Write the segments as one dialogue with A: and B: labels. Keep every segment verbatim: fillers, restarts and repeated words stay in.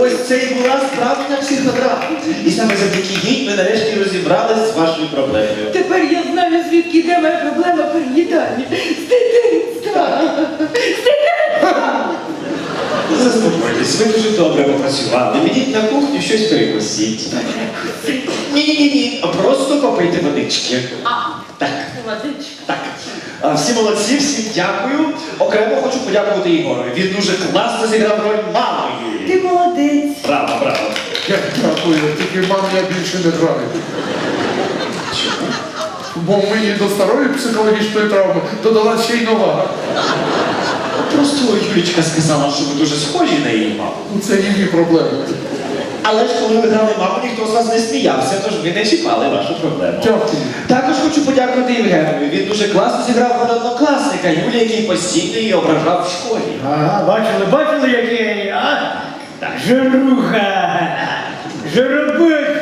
A: ось це і була справжня психодрама. І саме завдяки їй ми нарешті розібрались з вашою проблемою.
B: Тепер я знаю, звідки йде моя проблема переїдання. З дитинства. З дитинства.
A: Заспокойтесь, ви дуже добре попрацювали. Підіть на кухню, щось перекусіть. Ні-ні-ні, просто попийте водички.
B: А,
A: Так.
B: водичка.
A: Так. А, всі молодці, всім дякую. Окремо хочу подякувати Ігорові. Він дуже класно зіграв роль мами Юлії.
B: Ти молодець.
A: Браво, браво.
C: Я дякую, тільки маму я більше не граю.
A: Чому?
C: Бо мені до старої психологічної травми додала ще й нова.
A: Просто Юлічка сказала, що ви дуже схожі на її маму.
C: Ну, це її проблеми.
A: Але ж коли ви грали маму, ніхто з вас не сміявся, тож ви не чіпали вашу проблему.
C: Дякую.
A: Також хочу подякувати Євгенові. Він дуже класно зіграв роль однокласника Юлія, який постійно її ображав в школі.
D: Ага, бачили, бачили, який, а? Так, жируха, жиробик.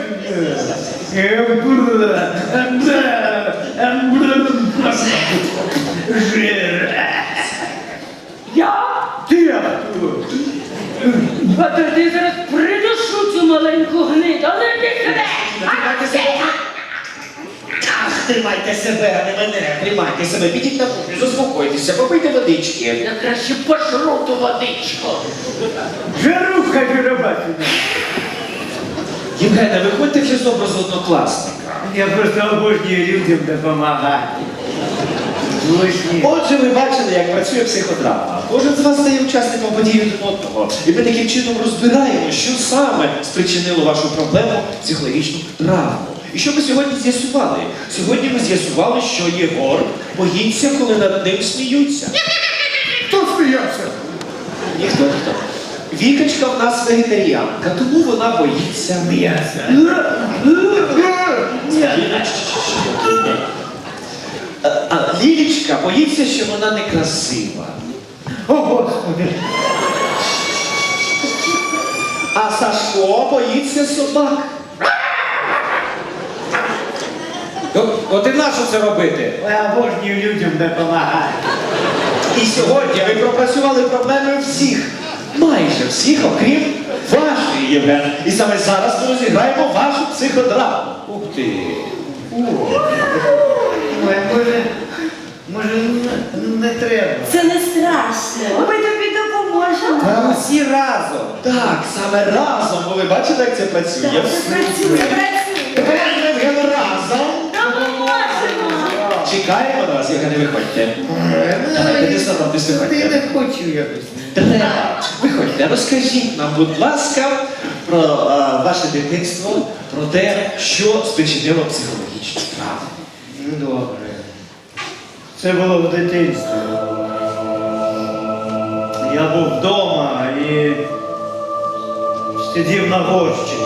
D: Жир.
B: Я?
D: Ти а хто?
B: А то ти зараз придушу цю маленьку гниду, але ти сюди!
A: Тримайте себе. Ах, тримайте себе, а не мене. Тримайте себе, підіть на кухню, заспокойтеся, попийте водички.
B: Я краще пошру ту водичку.
D: Жируха, жиробатина.
A: Євгене, виходьте вже з образу однокласника.
D: Я просто обожнюю людям допомагати. Лишні.
A: Отже, ви бачили, як працює психодрама. Кожен з вас стає учасником подій один одного. І ми таким чином розбираємо, що саме спричинило вашу проблему психологічну травму. І що ми сьогодні з'ясували? Сьогодні ми з'ясували, що Єгор боїться, коли над ним сміються.
C: Хто сміявся?
A: Ніхто, ніхто. Вікачка в нас вегетаріанка, тому вона боїться
D: М'ясо.
A: А, а Лілічка боїться, що вона некрасива.
D: О, Господи.
A: А Сашко боїться собак.
E: От, от і нащо це робити?
D: Я обожнюю людям допомагати.
A: І сьогодні ви пропрацювали проблеми всіх, майже всіх, окрім вашої, Євген. І саме зараз ми розіграємо вашу психодраму.
E: Ух ти!
D: Ой, може, може, не, не треба.
B: Це не страшно. Ми тобі допоможемо.
A: Та всі разом. Так, саме разом, бо ви бачите, як це працює.
B: Це працює, працює.
A: Євген, разом.
B: Допоможемо.
A: Чекаємо на вас, Євгене, виходьте. Давайте, не соромтесь,
D: Ти
A: виходьте.
D: не хочу якось.
A: Треба. Виходьте, розкажіть нам, будь ласка, про а, ваше дитинство, про те, що спричинило психологічну травму.
D: Ну, добре. Це було в дитинстві. Я був вдома і сидів на горщику.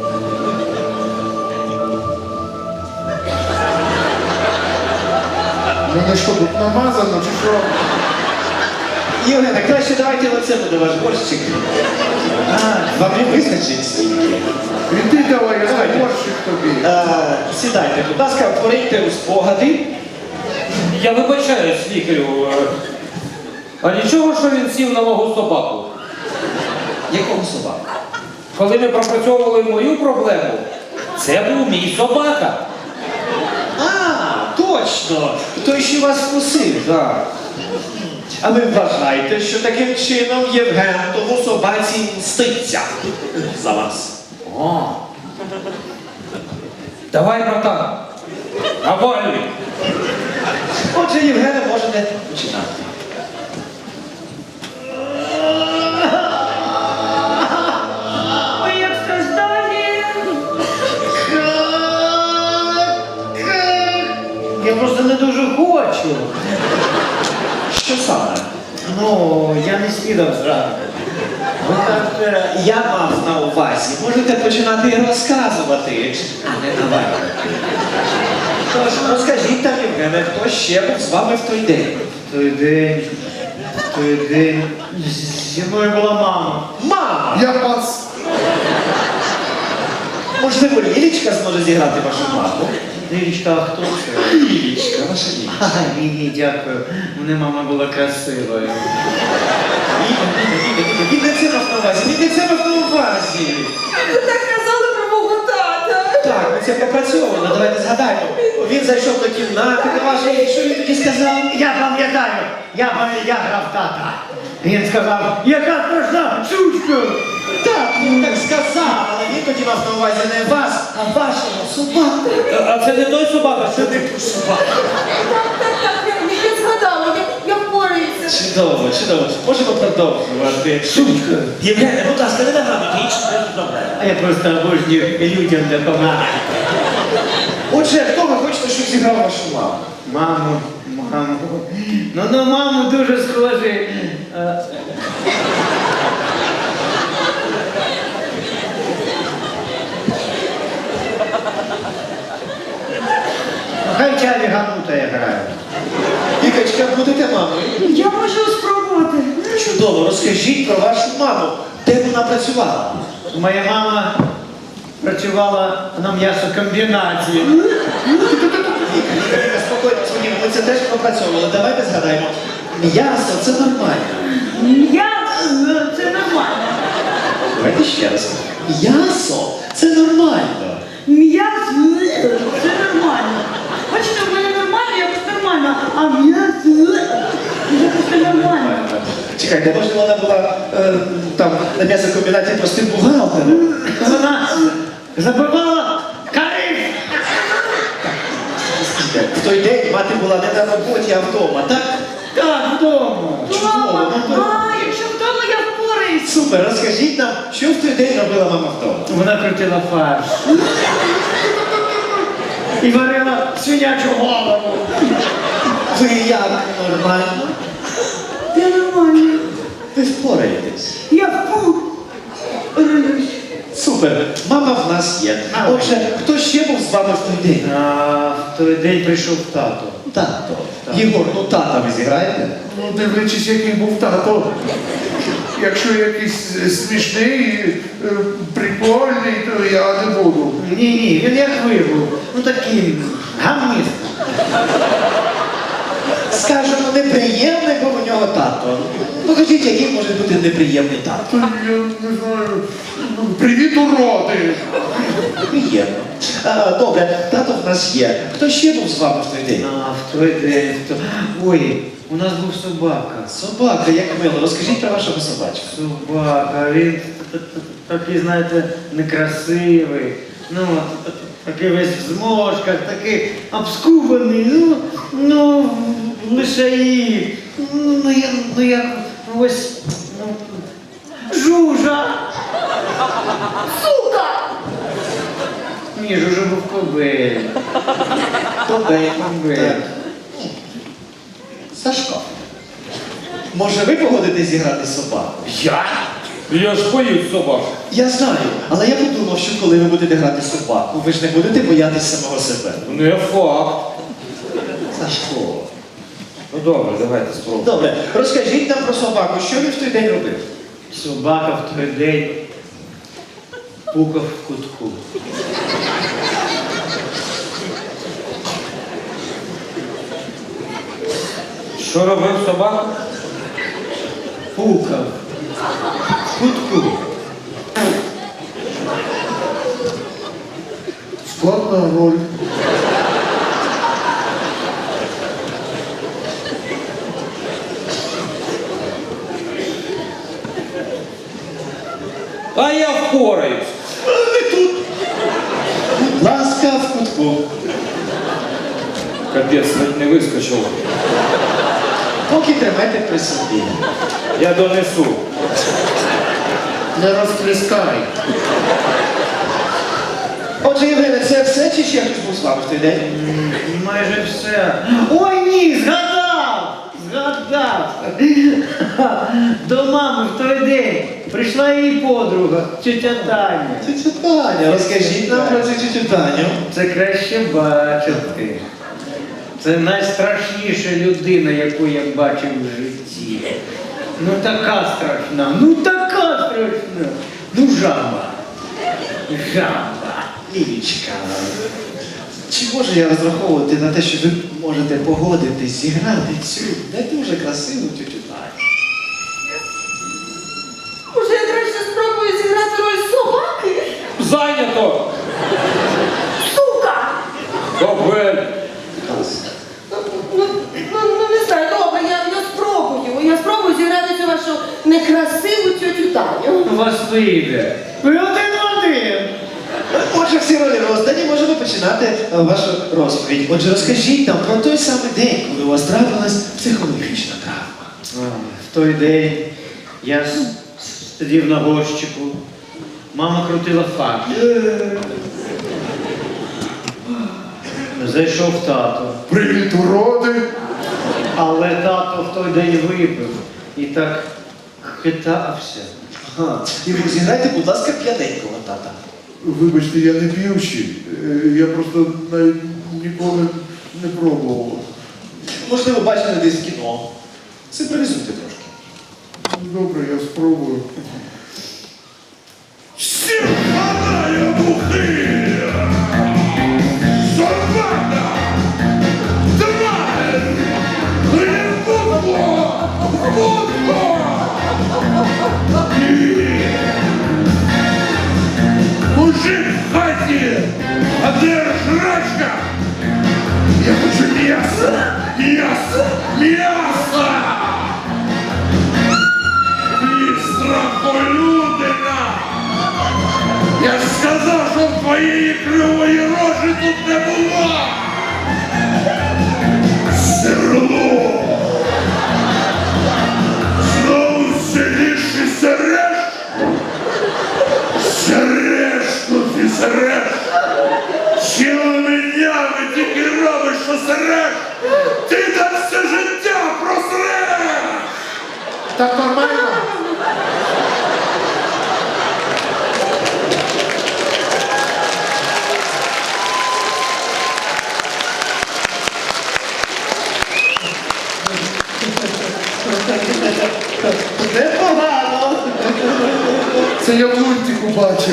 C: Мене що, тут намазано, чи що?
A: Євгене, краще давайте оце буде ваш борщик. А, вам не вистачить стільки.
C: Іди давай, я
A: Давайте.
C: борщик тобі.
A: А, сідайте, будь ласка, пориньте у спогади.
E: Я вибачаюсь, лікарю. е, А нічого, що він сів на мого собаку?
A: Якого собаку?
E: Коли ми пропрацьовували мою проблему, це був мій собака.
A: А, точно! Той, що вас вкусив.
E: Так.
A: А ви вважаєте, що таким чином Євген тому собаці мститься за вас?
E: О. Давай, братан. Навалюй.
A: Отже, Євгене, можете починати.
B: Ой, як страждає.
D: Я просто не дуже хочу.
A: Що саме?
D: Ну, я не снідав зранку. Ви кажете,
A: Я мав на увазі. Можете починати і розказувати, а не навалювати. Тож, розкажіть там, Євгене, хто ще був з вами в той день?
D: той день, той день, зі мною була мама.
A: Мама!
C: Я пас.
A: Можливо, Лілічка зможе зіграти вашу маму?
D: Лілічка, а хто це?
A: Лілічка, ваша Лілічка.
D: А, ні, ні, дякую. Мене мама була красивою.
A: Він не це мав на увазі, він не це мав на увазі.
B: Ви так казали про мого тата.
A: Так, ми це пропрацьовано, давайте згадаємо. Він зайшов до кімнати до вашої, що він тоді сказав?
D: Я пам'ятаю, я пам'ятаю, я грав тата. Він сказав, яка страшна сучка.
A: Так, він так сказав, але він тоді мав на увазі не вас, а вашого собаку.
E: А це не той собака, що ти?
A: Собаку.
B: Так, так, так, я, я згадала, я, я впораюся.
A: Чудово, чудово. Можемо продовжувати. Сучка. Євгене, будь ласка, не нагадуйте, інші не проблеми.
D: А я просто обожнюю людям допомагати.
A: Отже, хто ви хочете, щоб зіграв вашу маму?
D: Маму, маму. Ну, на маму дуже схожий. Е, Хай Чарі Ганута грає.
A: Вікачка, будете мамою?
B: Я можу спробувати.
A: Чудово, розкажіть про вашу маму. Де вона працювала?
D: Моя мама працювала на м'ясокомбінаті.
A: Віка, спокійно, спокійно, ми це теж пропрацьовували. Давайте згадаємо. М'ясо це нормально.
B: Я, це нормально.
A: Давайте ще раз. М'ясо це нормально.
B: М'ясо, це нормально. Бачите, в мене нормально, якось нормально, а м'ясо, якось ненормально.
A: Чекайте, може вона була е, там на м'ясокомбінаті простим бухгалтером?
D: Вона забивала кариф.
A: В той день мати була не на роботі, а вдома, так?
D: Так, вдома.
B: Мама,
A: ну, то-
B: а, якщо вдома я впораюсь.
A: Супер, розкажіть нам, що в той день робила мама вдома?
D: Вона крутила фарш. І варила свинячу голову.
A: Ви як нормально?
B: Я нормально.
A: Ви впораєтесь.
B: Я впораюсь.
A: Супер, мама в нас є. Отже, хто ще був з вами в той день?
D: А в той день прийшов тато.
A: Тато. Єгор, ну тата ви зіграєте?
C: Ну, дивлячись, який був тато. Якщо якийсь е, смішний, е, прикольний, то я не буду.
D: Ні, ні, він як ви був. Ну такий гамніст.
A: Скажемо, неприємний був у нього тато. Покажіть, який може бути неприємний тато.
C: То я не знаю. ну, Привіт, уроди!
A: Приємно. А, добре, тато в нас є. Хто ще був з вами в той день?
D: А в той день. в то- Ой, у нас був собака.
A: Собака, як мило. Розкажіть про вашого собачку.
D: Собака, він т- т- т- такий, знаєте, некрасивий. Ну, т- т- такий весь в зможках, такий обскубаний, ну, ну, лишаї. Ну, ну, я, ну, як ось, ну, жужа.
B: Сука!
D: Ні, жужа був кобель.
A: Добре,
D: Кобель.
A: так. Сашко. Може ви погодитесь зіграти собаку?
E: Я? Я ж боюсь собак.
A: Я знаю, але я подумав, що коли ви будете грати собаку, ви ж не будете боятись самого себе.
E: Не факт.
A: Сашко.
E: Ну добре, давайте спробуємо.
A: Добре, розкажіть нам про собаку, що він в той день робив?
D: Собака в той день пукав в кутку.
E: Що робив собака?
D: Пукав в кутку.
C: Складна роль.
E: А я впораюсь.
A: Будь ласка, в кутку.
E: Капець, навіть не вискочило.
A: Поки тримайте при собі.
E: Я донесу.
C: Не розплескай.
A: Отже, Євгене, це все чи ще хтось був з вами в той день?
D: М, Майже все. Ой, ні, згадав! Згадав! До мами в той день прийшла її подруга, тетя Таня.
A: Тетя Таня, розкажіть нам про цю тетю Таню.
D: Це краще бачити. Це найстрашніша людина, яку я бачив в житті. Ну така страшна, ну така страшна. Ну жаба. Жаба.
A: Лілічка, чи можу я розраховувати на те, що ви можете погодитись зіграти цю не дуже красиву тетю Таню?
E: Зайнято!
B: Сука!
E: Кобель!
F: Ну, ну, ну, ну, не знаю, добре, я, я спробую. Я спробую зіграти цю вашу некрасиву тьотю Таню.
D: У вас вийде. Ви один в один.
A: Отже, всі ролі роздані, можемо починати е, вашу розповідь. Отже, розкажіть нам про той самий день, коли у вас трапилась психологічна травма.
D: А, В той день я с- сидів на горщику. Мама крутила факт. Зайшов тато.
C: Привіт, уроди!
D: Але тато в той день випив і так хитався.
A: Ага. Ігор, зіграйте, будь ласка, п'яненького тата.
C: Вибачте, я не п'ющий. Е, Я просто навіть ніколи не пробував.
A: Можливо, бачили десь в кіно. Симпровізуйте трошки.
C: Добре, я спробую. Сірваная бухи! Собака! Тварь! Ревудло! Вудло! Мужик в хаті! А де жрачка? Я хочу м'ясо! М'ясо! М'ясо! Страхолюдина! Я ж сказав, що твоєї кривої рожі тут не було! Серло! Знову сидиш і сереш? Сереш тут і сереш! Цілими днями тільки робиш, що сереш! Ти там все життя просреш! Так нормально?
A: Непогано!
C: Це я в мультику бачив.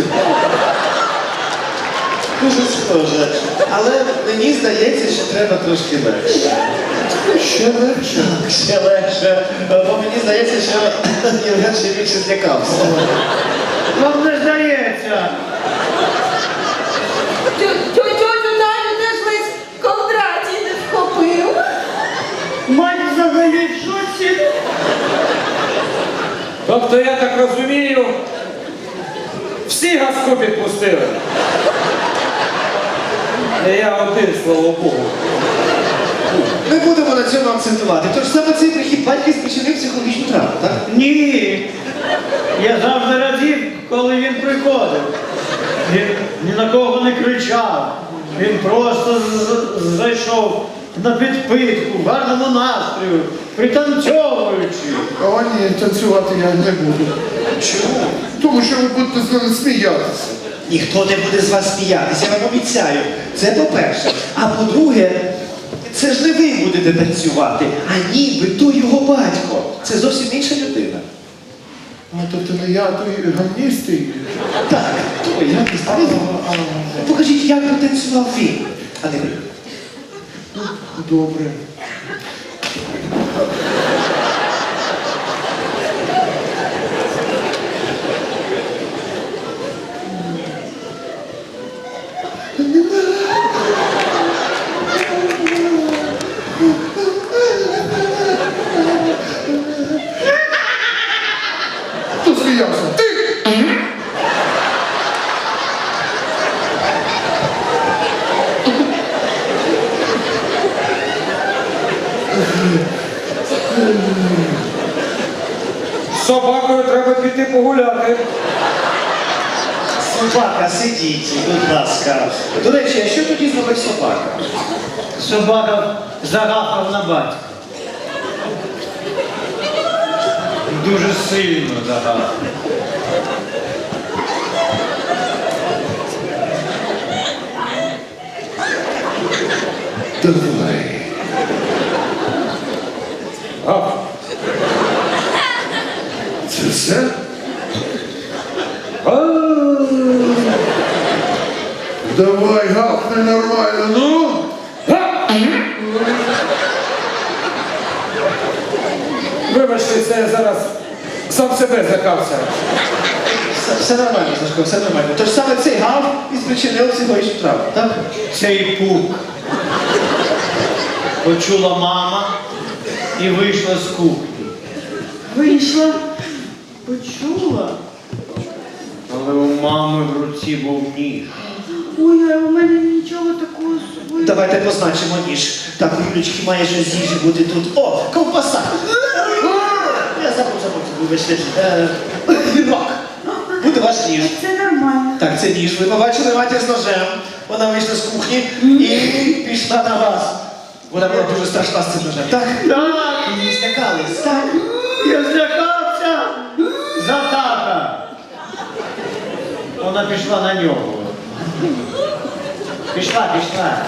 A: Дуже схоже. Але мені здається, що треба трошки легше.
C: Ще легше.
A: Так, ще легше. Бо мені здається, що Євген ще більше злякався.
D: Вам не здається.
F: Тьо- тьо- Тьотю Таню теж ледь Кондратій не вхопив.
B: Мать взагалі в шоці.
E: Тобто, я так розумію, всі газку підпустили. А я один, слава Богу.
A: Ми будемо на цьому акцентувати. Тож саме цей прихід батька спричинив психологічну травму, так?
D: Ні. Я завжди радів, коли він приходив. Він ні на кого не кричав. Він просто з- з- зайшов на підпитку, в гарному настрою, пританцьовуючи.
C: О, ні, танцювати я не буду.
A: Чому?
C: Тому що ви будете з мене сміятися.
A: Ніхто не буде з вас сміятися, я вам обіцяю. Це по-перше. А по-друге, це ж не ви будете танцювати, а ніби то його батько. Це зовсім інша людина.
C: А тобто не я, той гамністий.
A: Так, то я не знаю. Покажіть, як би танцював він, а не ви.
C: Добре. Хто сміявся? Ти!
E: З собакою треба піти погуляти.
A: Собака, сидіть, будь ласка. До речі, а що тоді зробить собака?
D: Собака загахав на батька. Дуже сильно загахав.
C: Давай.
E: А,
C: Це все?
E: а,
C: Давай, гавкни нормально, ну!
E: а. Вибачте, це я зараз сам себе злякався.
A: Все, все нормально, Сашко, все нормально. Тож саме цей гав і спричинив психологічну травму, так?
D: Цей пук почула мама і вийшла з кухні.
B: Вийшла, почула.
D: Але у мами в руці був ніж.
B: Ой, а у мене нічого такого з собою.
A: Давайте позначимо ніж. Так, у Юлечки має щось з їжі бути тут. О, ковбаса! Я забув, забув, вибачте. Е, Вінок. Буде ваш ніж.
B: Це нормально.
A: Так, це ніж. Ви побачили матір з ножем. Вона вийшла з кухні і пішла на вас. Вона була дуже страшна з цим ножем. Так?
D: Так,
A: І злякались. Так.
D: я злякався за тата. Вона пішла на нього. Пішла, пішла.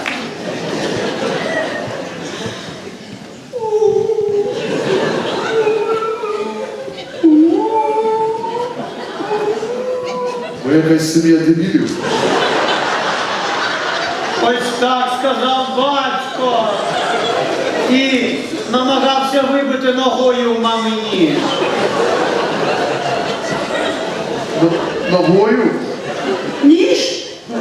C: Ви якась сім'я дебілів.
D: Ось так сказав батько. І намагався вибити ногою у мами ніж.
C: Н- Ногою?
B: Ніж?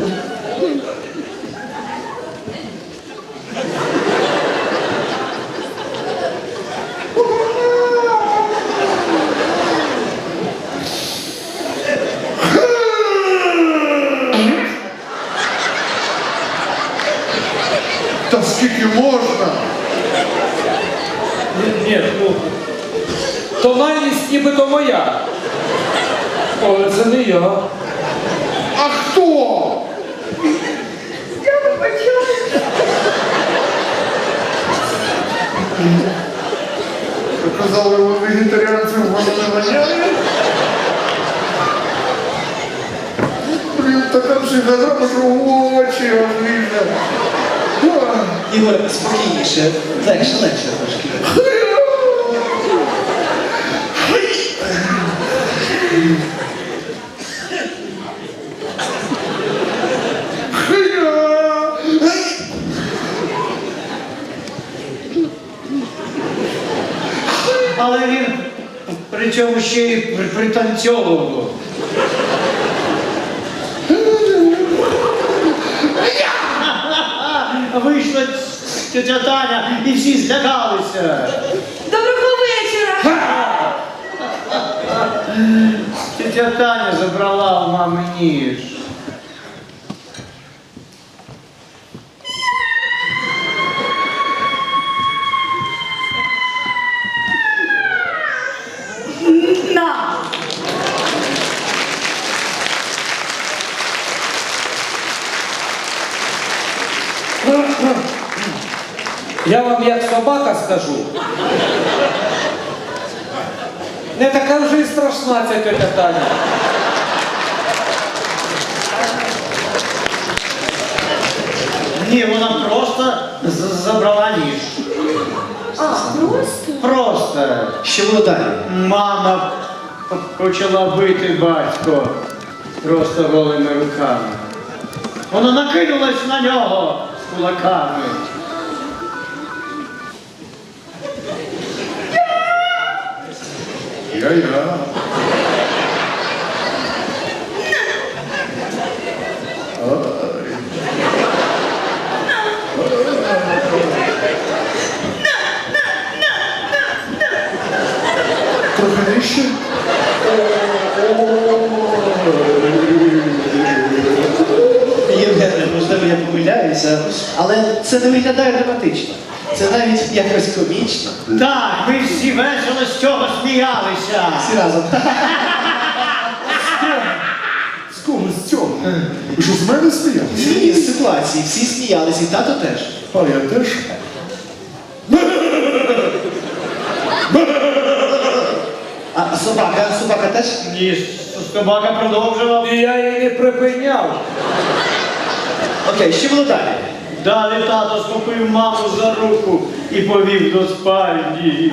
C: Та скільки можна?
E: Ні, ні, ну. Тональність нібито моя. Але це не я.
C: А хто?
B: Я вибачаюсь.
C: Ви казали, ви вегетаріанців воно не воняє? Блін, така психодрама, що в очі облізе.
A: Ігор, спокійніше. Легше, легше трошки.
D: Але він при цьому ще й при- пританцьовував. Вийшла тетя Таня і всі злякалися.
F: Доброго вечора!
D: Тетя Таня забрала у мами ніж.
B: На!
E: Я вам як собака скажу. Не така вже й страшна ця тетя Таня.
D: Ні, вона просто з- забрала ніж.
F: А, просто?
D: Просто.
A: Що було далі?
D: Мама п- почала бити батько просто голими руками. Вона накинулась на нього з кулаками.
C: Я-я. Трохи нижче.
A: Євгене, можливо, я помиляюся, але це не виглядає драматично. Це навіть якось комічно.
D: Так, ми всі весело з цього сміялися.
A: Всі разом.
C: З кого з цього? Ви що, з мене сміялися?
A: Ні, з ситуації. Всі сміялися, і тато теж.
C: А я теж.
A: А собака, собака теж?
D: Ні, собака продовжував.
E: І я її не припиняв.
A: Окей, що було далі?
D: Далі тато схопив маму за руку і повів до спальні.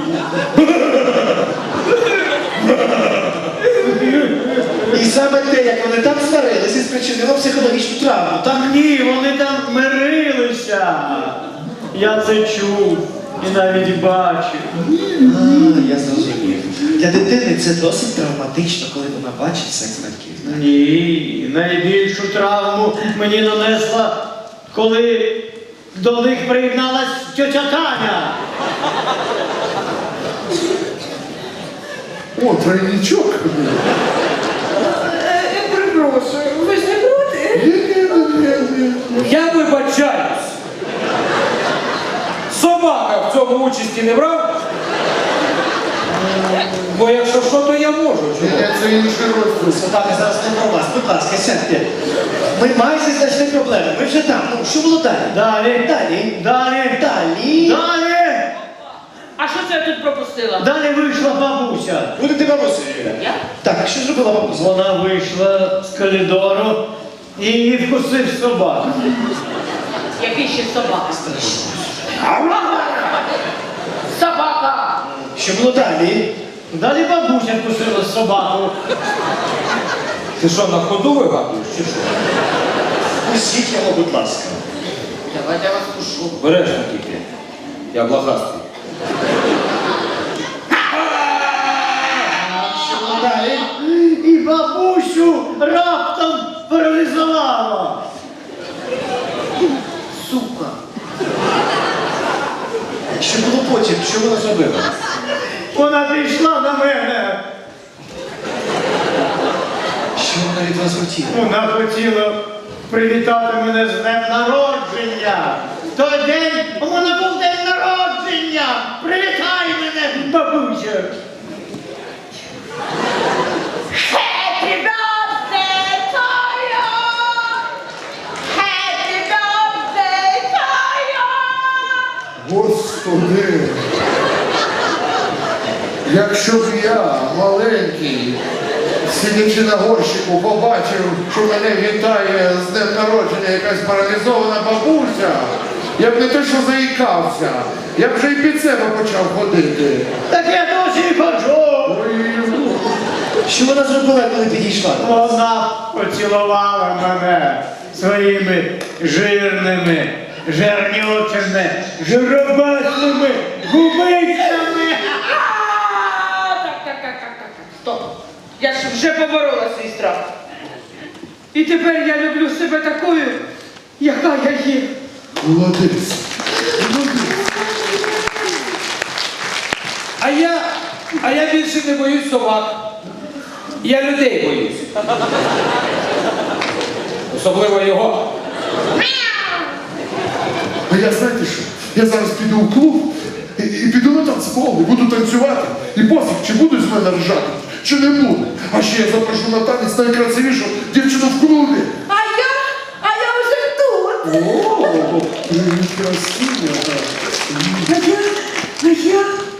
A: І саме те, як вони там сварилися, спричинило психологічну травму, так?
D: Ні, вони там мирилися. Я це чув і навіть бачив.
A: А, я зрозумів. Для для дитини це досить травматично, коли вона бачить секс батьків.
D: Ні, найбільшу травму мені нанесла, коли до них приєдналась тьотя Таня.
C: О, тройничок.
F: Е, е, Перепрошую, ви ж не проти?
C: Ні-ні-ні-ні.
E: Я вибачаюсь. Собака в цьому участі не брав? Бо якщо що, то я можу. Чого?
C: Ні, це інший розділ.
A: Сватати зараз не про вас. Будь ласка, сядьте. Ми майже знайшли проблему. Ми вже там. Ну, що було далі?
D: Далі,
A: Далі.
D: далі,
A: Далі.
D: далі.
B: А що це я тут пропустила?
D: Далі вийшла бабуся.
A: Будете бабусею, Юля?
B: Я?
A: Так, що зробила бабуся?
D: Вона вийшла з коридору і її вкусив собака.
B: Який ще собака? Собака!
A: Що було далі?
D: Далі бабуся вкусила собаку.
E: Ти що, на ходу вигадуєш, чи що?
A: Пустіть його, будь ласка.
B: Давайте я вас пушу.
E: Бережно тільки. Я блохастий.
A: Що було далі?
D: І бабусю раптом паралізувала.
B: Сука.
A: Що було потім? Що вона зробила?
D: Вона прийшла до мене.
A: Що вона від вас хотіла?
D: Вона хотіла привітати мене з днем народження. В той день у мене був день народження. Привітай мене, бабуся.
B: Happy birthday to you! Happy birthday to you!
C: Господи. Якщо б я, маленький, сидячи на горщику, побачив, що мене вітає з днем народження якась паралізована бабуся, я б не те, що заїкався, я б вже і під себе почав ходити.
D: Так я досі і ходжу.
C: Ой,
A: Що вона зробила, коли підійшла?
D: Вона поцілувала мене своїми жирними, жирнючими, жиробасними губицями.
B: А, Так, так, так, так, так, так. Стоп. Я ж вже поборола свій страх. І тепер я люблю себе такою, яка я є.
C: молодець.
E: А я, а я більше не боюсь собак. Я людей боюсь. Особливо його.
C: А я знаєте що? Я зараз піду у клуб і, і піду на танцпол, і буду танцювати. І пофіг, чи будуть з мене ржати, чи не будуть. А ще я запрошу на танець найкрасивішу дівчину в клубі.
F: А я? А я вже тут.
C: О, привіт, красива.
B: А я, а я,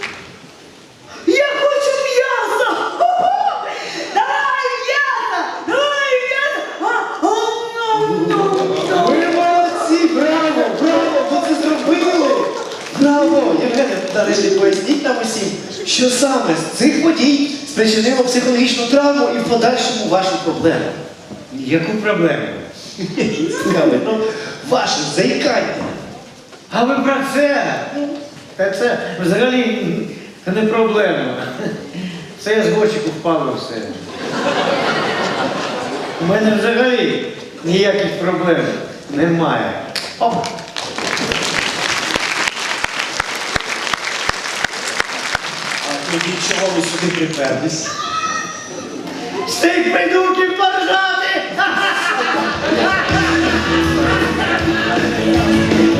B: я хочу м'яса! Ху-ху! Давай м'яса! Давай м'яса! А, о, ну, ну, ну.
A: Ви молодці! Браво! Браво! Ви це зробили! Браво! Євгене, нарешті поясніть нам усім, що саме з цих подій спричинило психологічну травму і в подальшому вашу проблему.
D: Яку проблему?
A: Цікаво, ну, ваше заїкання.
D: А ви про це? Та це взагалі не проблема. Це я з горщику впав і все. У мене взагалі ніяких проблем немає. Оп.
A: А тоді чого ви сюди приперлись?
D: З цих придурків